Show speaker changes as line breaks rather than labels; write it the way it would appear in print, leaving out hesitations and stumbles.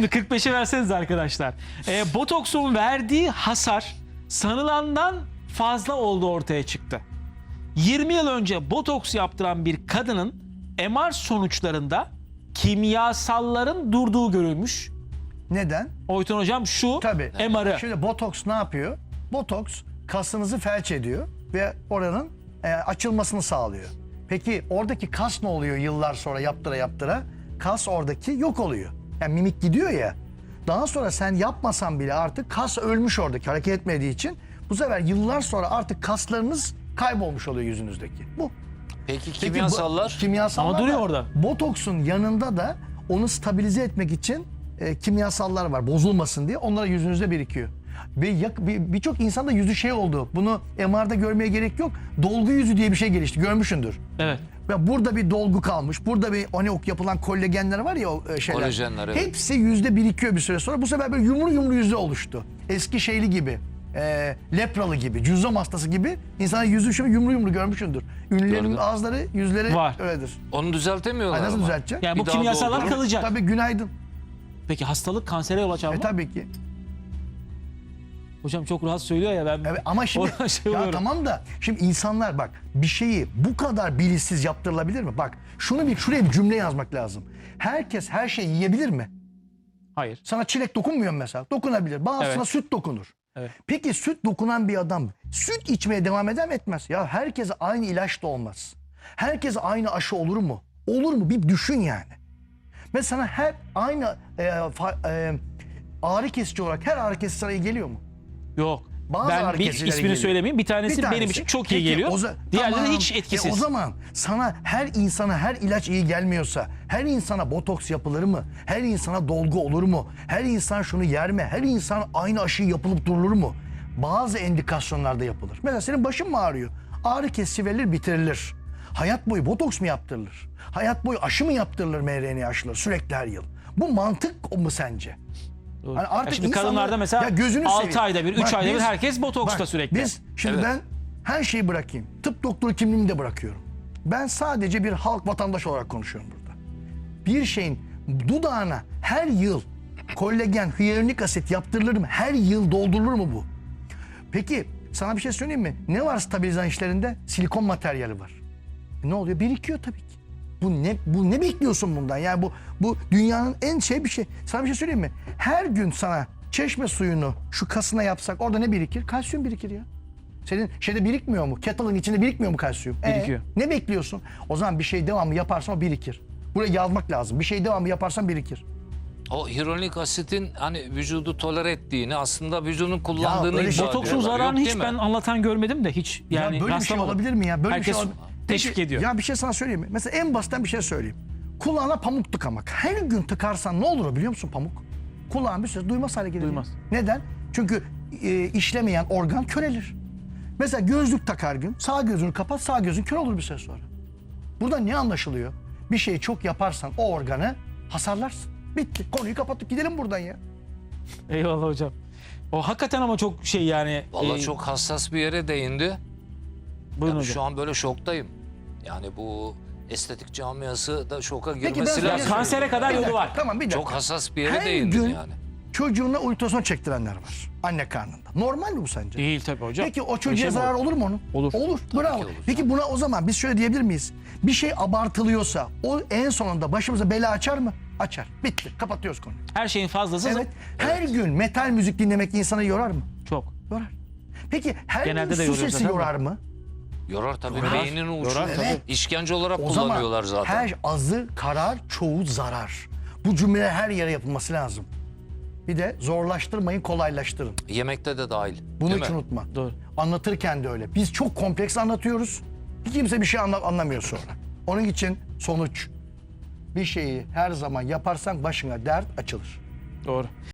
Şimdi 45'e verseniz arkadaşlar. Botoksun verdiği hasar sanılandan fazla olduğu ortaya çıktı. 20 yıl önce botoks yaptıran bir kadının MR sonuçlarında kimyasalların durduğu görülmüş.
Neden?
Oytun hocam şu
Tabii.
MR'ı.
Şimdi botoks ne yapıyor? Botoks kasınızı felç ediyor ve oranın açılmasını sağlıyor. Peki oradaki kas ne oluyor yıllar sonra yaptıra? Kas oradaki yok oluyor. Yani mimik gidiyor ya. Daha sonra sen yapmasan bile artık kas ölmüş oradaki hareket etmediği için bu sefer yıllar sonra artık kaslarınız kaybolmuş oluyor yüzünüzdeki. Bu.
Peki kimyasallar?
Kimyasallar
Ama duruyor
da,
orada.
Botoksun yanında da onu stabilize etmek için kimyasallar var bozulmasın diye. Onlar yüzünüzde birikiyor. Ve birçok insanda yüzü şey oldu. Bunu MR'da görmeye gerek yok. Dolgu yüzü diye bir şey gelişti. Görmüşsündür.
Evet.
Ve burada bir dolgu kalmış. Burada bir hani yapılan kollagenler var ya o şeyler.
Kolajenler, evet.
Hepsi yüzde birikiyor bir süre sonra. Bu sefer böyle yumru yüzde oluştu. Eski şeyli gibi. Lepralı gibi, cüzzam hastası gibi insanın yüzü şöyle yumru görmüşsündür. Ünlülerin
Gördüm.
ağızları, yüzleri
Var.
öyledir.
Onu düzeltemiyorlar
Nasıl
ama.
düzeltecek?
Yani bu
Bir daha
kimyasallar
doldurup-
kalacak.
Tabii günaydın.
Peki hastalık kansere yol açar mı?
Tabii ki.
Hocam çok rahat söylüyor ya ben.
Evet, ama şimdi
oradan şey
ya
oluyorum.
tamam da şimdi insanlar bak bir şeyi bu kadar bilinçsiz yaptırılabilir mi? Bak şuraya bir cümle yazmak lazım. Herkes her şeyi yiyebilir mi?
Hayır.
Sana çilek dokunmuyor mu mesela? Dokunabilir. Bazısına
Evet.
süt dokunur.
Evet.
Peki süt dokunan bir adam süt içmeye devam eder mi etmez? Ya herkese aynı ilaç da olmaz. Herkese aynı aşı olur mu? Olur mu? Bir düşün yani. Mesela her aynı ağrı kesici olarak her ağrı kesici sana iyi geliyor mu?
Yok.
Bazı
Ben
ağrı
bir
kesicileri
ismini
geliyor.
söylemeyeyim. Bir tanesi,
Bir tanesi.
benim için çok iyi
Peki,
geliyor. Diğerleri
tamam.
hiç etkisiz.
O zaman sana her insana her ilaç iyi gelmiyorsa her insana botoks yapılır mı? Her insana dolgu olur mu? Her insan şunu yer mi? Her insan aynı aşıyı yapılıp durulur mu? Bazı endikasyonlarda yapılır. Mesela senin başın mı ağrıyor? Ağrı kesici verilir bitirilir. Hayat boyu botoks mu yaptırılır? Hayat boyu aşı mı yaptırılır mRNA aşıları sürekli her yıl? Bu mantık mu sence?
Doğru.
Hani artık
Ya şimdi
insanlar-
kadınlarda mesela
Ya gözünü
6
seveyim.
ayda bir, 3
Bak
ayda bir
biz-
herkes botoksta
bak,
sürekli.
Biz şimdi
Evet.
ben her şeyi bırakayım. Tıp doktoru kimliğimi de bırakıyorum. Ben sadece bir halk vatandaş olarak konuşuyorum burada. Bir şeyin dudağına her yıl kollagen, hyaluronik asit yaptırılır mı? Her yıl doldurulur mu bu? Peki sana bir şey söyleyeyim mi? Ne var stabilizan işlerinde? Silikon materyali var. Ne oluyor? Birikiyor tabii ki. Bu ne bekliyorsun bundan? Yani bu dünyanın en bir şey. Sana bir şey söyleyeyim mi? Her gün sana çeşme suyunu şu kasına yapsak orada ne birikir? Kalsiyum birikir ya. Senin şeyde birikmiyor mu? Kettle'ın içinde birikmiyor mu kalsiyum?
Birikiyor.
Ne bekliyorsun? O zaman bir şey devamlı yaparsan o birikir. Buraya yazmak lazım. Bir şey devamlı yaparsan birikir.
O hyaluronik asitin hani vücudu tolere ettiğini aslında vücudun kullandığını
öyle
iddia
Botoksun
ediyorlar.
zararını
Yok
hiç
değil mi?
ben anlatan görmedim de hiç. Yani
Ya böyle bir şey
rastlamadım.
olabilir mi ya? Böyle
Herkes
bir şey
teşvik ediyor.
Ya bir şey sana söyleyeyim mi? Mesela en basitten bir şey söyleyeyim. Kulağına pamuk tıkamak. Her gün tıkarsan ne olur biliyor musun pamuk? Kulağın bir süre duymaz hale gelir.
Duymaz.
Neden? Çünkü işlemeyen organ körelir. Mesela gözlük tak her gün. Sağ gözünü kapat, sağ gözün kör olur bir süre sonra. Burada ne anlaşılıyor? Bir şeyi çok yaparsan o organı hasarlarsın. Bitti. Konuyu kapattık. Gidelim buradan ya.
Eyvallah hocam. O hakikaten ama çok şey yani.
Vallahi çok hassas bir yere değindi.
Buyurun
Yani
hocam.
şu an böyle şoktayım. Yani bu estetik camiası da şoka
Peki ben
girmesi
sana-
lazım.
Kansere kadar
Bir
yolu
dakika,
var.
Tamam bir dakika.
Çok hassas bir yere
Her
değindin
gün
yani.
çocuğuna ultrason çektirenler var. Anne karnında. Normal mi bu sence?
Değil tabii hocam.
Peki o
Öyle
çocuğa
şey mi
zarar
olur?
olur mu onun?
Olur.
Olur. Bravo.
ki olur.
Peki buna o zaman biz şöyle diyebilir miyiz? Bir şey abartılıyorsa o en sonunda başımıza bela açar mı? Açar. Bitti. Kapatıyoruz konuyu.
Her şeyin fazlası
Evet. Her gün metal müzik dinlemek insanı yorar mı?
çok.
Yorar. Peki her
Genelde
gün
de
su
yoruyor
sesi
zaten
yorar mı?
Yorar tabii.
Yorar.
Beynini uçurur.
Yorar tabii.
İşkence olarak
O zaman
kullanıyorlar zaten.
her azı karar, çoğu zarar. Bu cümle her yere yapılması lazım. Bir de zorlaştırmayın, kolaylaştırın.
Yemekte de dahil.
Bunu
değil
hiç
mi?
unutma.
Doğru.
Anlatırken de öyle. Biz çok kompleks anlatıyoruz. Kimse bir şey anlamıyor sonra. Onun için sonuç. Bir şeyi her zaman yaparsan başına dert açılır.
Doğru.